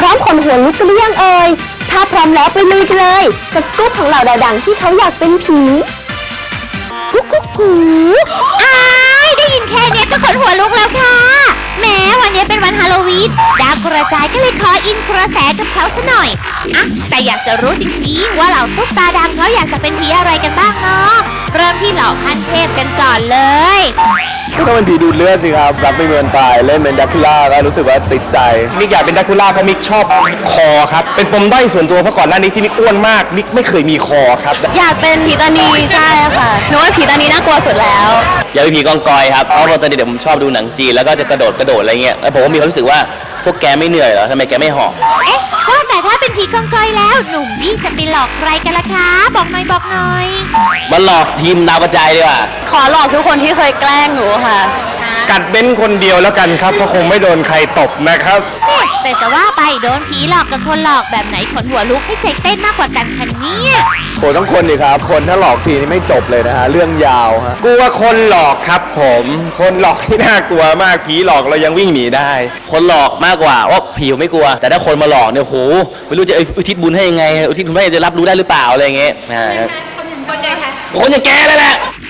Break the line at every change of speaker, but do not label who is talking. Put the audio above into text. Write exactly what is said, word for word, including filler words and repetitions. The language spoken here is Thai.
ร้อมขนหัวลุกกันหรือยังเอ่ยถ้าพร้อมแล้วไปลุยกันเลยกับสกู๊ปของเหล่าดาวดังที่เขาอยากเป็นผีกุ๊กกุ๊กกูอ้ายได้ยินแค่นี้ก็ขนหัวลุกแล้วค่ะแม้วันนี้เป็นวันฮาโลวีนดาวกระจายก็เลยขออินกระแสกับเขาซะหน่อยอะแต่อยากจะรู้จริงๆว่าเหล่าซุปตาดังเขาอยากจะเป็นผีอะไรกันบ้างเนาะเริ่มที่เหล่าขั้นเทพกันก่อนเลย
ก็ต้องเป็นผีดูดเลือดสิครับรับไม่เมินตายเล่นเป็นดักคูล่าก็รู้สึกว่าติดใจมิกอยากเป็นดักคูล่าเพราะมิกชอบคอครับเป็นปมด้อยส่วนตัวเพราะก่อนหน้านี้ที่มิกอ้วนมากมิกไม่เคยมีคอครับ
อยากเป็นผีตานีใช่ค่ะหนูว่าผีตานีน่ากลัวสุดแล้ว
อยากเป็นผีกองกอยครับเพราะว่าตอนเด็กผมชอบดูหนังจีนแล้วก็จะกระโดดกระโดดอะไรเงี้ยแล้วผมก็มีความรู้สึกว่าพวกแกไม่เหนื่อยเหรอทำไมแกไม่หอบ
เอ๊ะว่าแต่ถ้าเป็นผีกองกอยแล้วหนุ่มบี้จะไปหลอกใครกันล่ะคะบอกหน่อยบอกหน่อย
มาหลอกทีมดาวกระจายดีกว่า
ขอหลอกทุกคนที่เคยแกล้งหนูค่ะ
กัดเบ้นคนเดียวแล้วกันครับเพราะคงไม่โดนใครตบนะครับ
แต่จะว่าไปโดนผีหลอกกับคนหลอกแบบไหนขนหัวลุกให้ใจเต้นมากกว่ากันคะเนี่ย
โหต้องคนดิครับคนถ้าหลอกทีนี่ไม่จบเลยนะฮะเรื่องยาวฮะกลัวคนหลอกครับผมคนหลอกที่น่ากลัวมากผีหลอกเรายังวิ่งหนีได้
คนหลอกมากกว่าว่าผีไม่กลัวแต่ถ้าคนมาหลอกเนี่ยโหไม่รู้จะอุทิศบุญให้ยังไงอุทิศบุญให้จะรับรู้ได้หรือเปล่าอะไรอย่างเงี้ยคนอย่างแกเลยแหละ